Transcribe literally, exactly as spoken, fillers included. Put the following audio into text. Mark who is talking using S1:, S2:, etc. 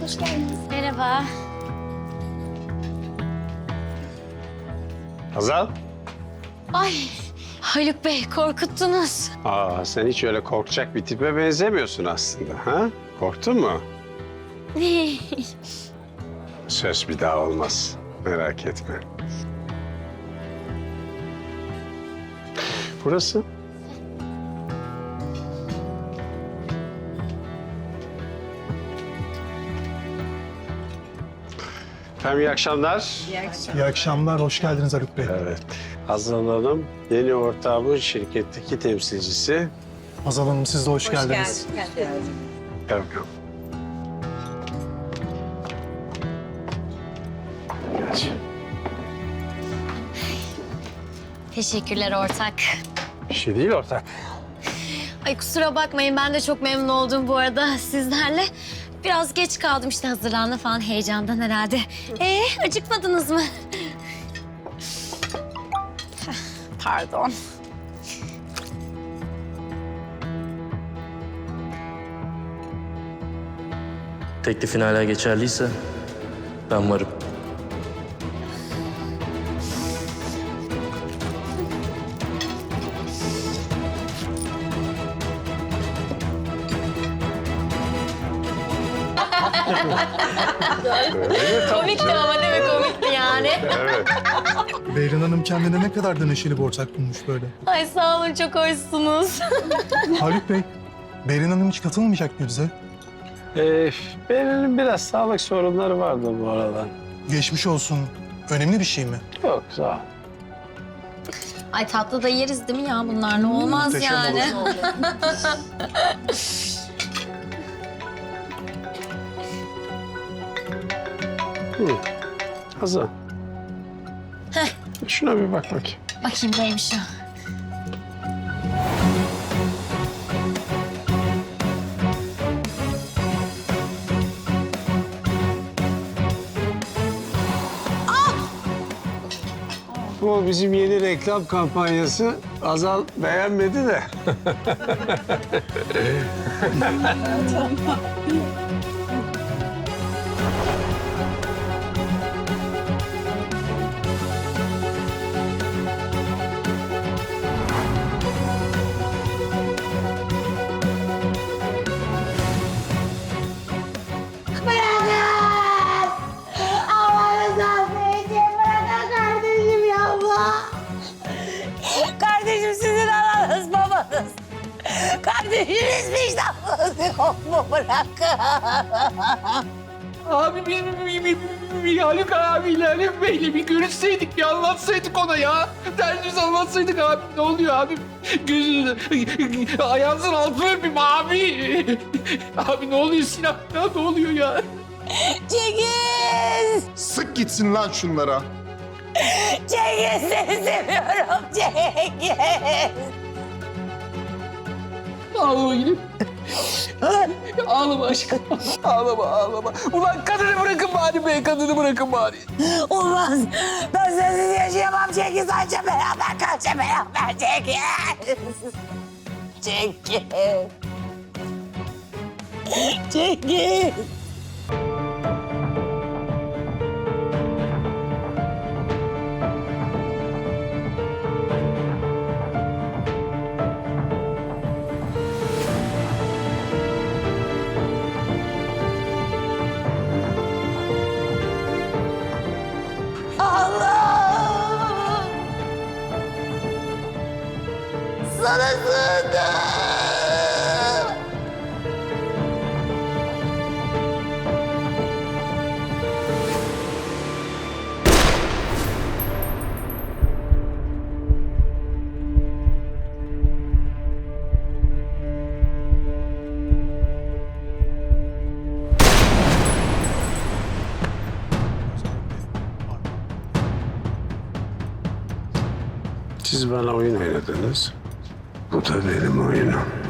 S1: Hoş geldiniz.
S2: Merhaba.
S3: Hazal.
S2: Ay Haluk Bey korkuttunuz.
S3: Aa, sen hiç öyle korkacak bir tipe benzemiyorsun aslında. Ha? Korktun mu? Söz bir daha olmaz. Merak etme. Burası? Efendim iyi akşamlar.
S4: İyi akşamlar, hoş geldiniz Haluk Bey.
S3: Evet. Hazal Hanım, yeni ortağımın şirketteki temsilcisi.
S4: Hazal Hanım, siz de hoş, geldiniz.
S3: Gel bakalım. Geç.
S2: Teşekkürler ortak.
S3: Bir şey değil ortak.
S2: Ay kusura bakmayın ben de çok memnun oldum bu arada sizlerle. Biraz geç kaldım işte hazırlanma falan heyecandan herhalde. Ee acıkmadınız mı? Pardon.
S5: Teklifin hala geçerliyse ben varım.
S2: Komikti ama değil mi? Komikti yani.
S3: Evet.
S4: Beyrin Hanım kendine ne kadar da neşeli bir ortak bulmuş böyle.
S2: Ay sağ olun çok hoşsunuz.
S4: Haluk Bey, Beyrin Hanım hiç katılmayacak mı bize?
S3: Ee, Beril'in biraz sağlık sorunları vardı bu aralar.
S4: Geçmiş olsun. Önemli bir şey mi?
S3: Yok sağ ol.
S2: Ay tatlı da yeriz değil mi ya bunlar ne olmaz
S4: Muhteşem
S2: yani.
S3: Hı. Hazal. Şuna bir bak bakayım.
S2: Bakayım neymiş o.
S3: Bu bizim yeni reklam kampanyası. Hazal beğenmedi de.
S6: Kardeşim sizin ananız babanız. Kardeşiniz vicdanınız yok mu? Bırakın.
S7: Abi biz bir, bir, bir Haluk abiyle Haluk Bey'le bir görüşseydik, bir anlatsaydık ona ya. Derdimizi anlatsaydık abi. Ne oluyor abi? Gözünü, ayağınızın altını öpeyim abi. Abi ne oluyor Sinan? Ya, ne oluyor ya?
S6: Cengiz!
S8: Sık gitsin lan şunlara.
S6: Cengiz seni seviyorum Cengiz.
S7: Ağlama gidip. Ağlama aşkım. Ağlama, ağlama. Ulan kadını bırakın bari be, kadını bırakın bari.
S6: Olmaz. Ben sensiz yaşayamam Cengiz. Anca beraber kalacağım beraber Cengiz. Cengiz. Cengiz. Allah! Sana sığındım.
S3: Siz bana oyun oynadınız. Bu da benim oyunum.